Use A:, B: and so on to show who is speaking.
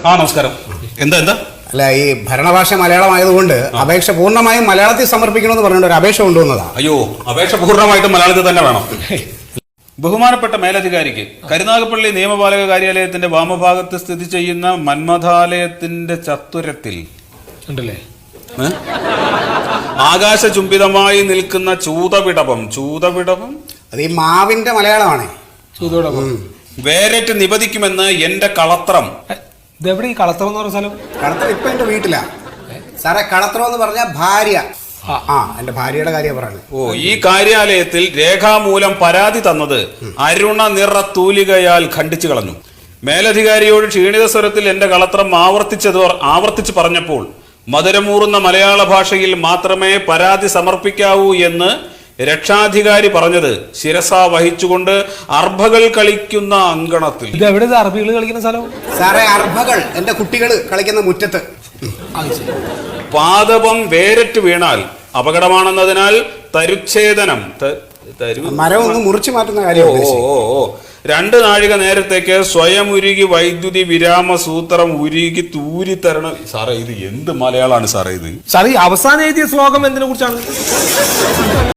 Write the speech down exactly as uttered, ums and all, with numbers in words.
A: ആ നമസ്കാരം. എന്താ എന്താ
B: അല്ല, ഈ ഭരണഭാഷ മലയാളമായതുകൊണ്ട് അപേക്ഷ പൂർണ്ണമായും മലയാളത്തിൽ സമർപ്പിക്കണമെന്ന് പറഞ്ഞുകൊണ്ട് ഒരു അപേക്ഷ കൊണ്ടുവന്നതാ.
A: അയ്യോ, അപേക്ഷ പൂർണ്ണമായിട്ടും മലയാളത്തിൽ തന്നെ വേണം. ബഹുമാനപ്പെട്ട മേലധികാരിക്ക് കരുനാഗപ്പള്ളി നിയമപാലക കാര്യാലയത്തിന്റെ വാമഭാഗത്ത് സ്ഥിതി ചെയ്യുന്ന മന്മഥാലയത്തിന്റെ ചത്തുരത്തിൽ
C: ഉണ്ടല്ലേ
A: ആകാശചുംബിതമായി നിൽക്കുന്ന ചൂതവിടവം ചൂതവിടവം
B: അത് ഈ മാവിന്റെ മലയാളമാണ്.
C: ചൂതോടൊപ്പം
A: വേരറ്റ് നിപതിക്കുമെന്ന് എന്റെ കളത്രം.
C: ഇതെവിടെ ഈ കളത്തറ എന്ന് പറഞ്ഞ സ്ഥലം?
B: കളത്തറ ഇപ്പൊ എന്റെ വീട്ടിലാ സാറേ. കളത്തറ എന്ന് പറഞ്ഞ ഭാര്യ. ആ എന്റെ ഭാര്യയുടെ കാര്യം പറയുന്നത്.
A: ഓ, ഈ കാര്യാലയത്തിൽ രേഖാമൂലം പരാതി തന്നത് അരുണ നിറ തൂലികയാൽ ഖണ്ഡിച്ചു കളഞ്ഞു. മേലധികാരിയോട് ക്ഷീണിത സ്വരത്തിൽ എന്റെ കളത്രം ആവർത്തിച്ചത് ആവർത്തിച്ച് പറഞ്ഞപ്പോൾ മധുരമൂറുന്ന മലയാള ഭാഷയിൽ മാത്രമേ പരാതി സമർപ്പിക്കാവൂ എന്ന് രക്ഷാധികാരി പറഞ്ഞത് ശിരസ വഹിച്ചുകൊണ്ട് അർഭകൾ കളിക്കുന്ന അങ്കണത്തിൽ.
C: ഇത് എവിടെ അറബികൾ കളിക്കുന്ന സ്ഥലം?
B: സാറേ, അർഭകൾ എന്റെ കുട്ടികൾ കളിക്കുന്ന മുറ്റത്ത്.
A: പാദപം വേരറ്റ് വീണാൽ അപകടമാണെന്നതിനാൽ തരുച്ഛേദനം
B: മരം ഒന്ന് മുറിച്ചു മാറ്റുന്ന കാര്യം.
A: ഓ ഓ ഓ രണ്ട് നാഴിക നേരത്തേക്ക് സ്വയം ഉരുകി വൈദ്യുതി വിരാമ സൂത്രം ഉരുകി തൂരി തരണം. സാറേ, ഇത് എന്ത് മലയാളമാണ് സാറേ ഇത്?
C: സാറേ, അവസാനം എഴുതിയ ശ്ലോകം എന്തിനെ കുറിച്ചാണ്?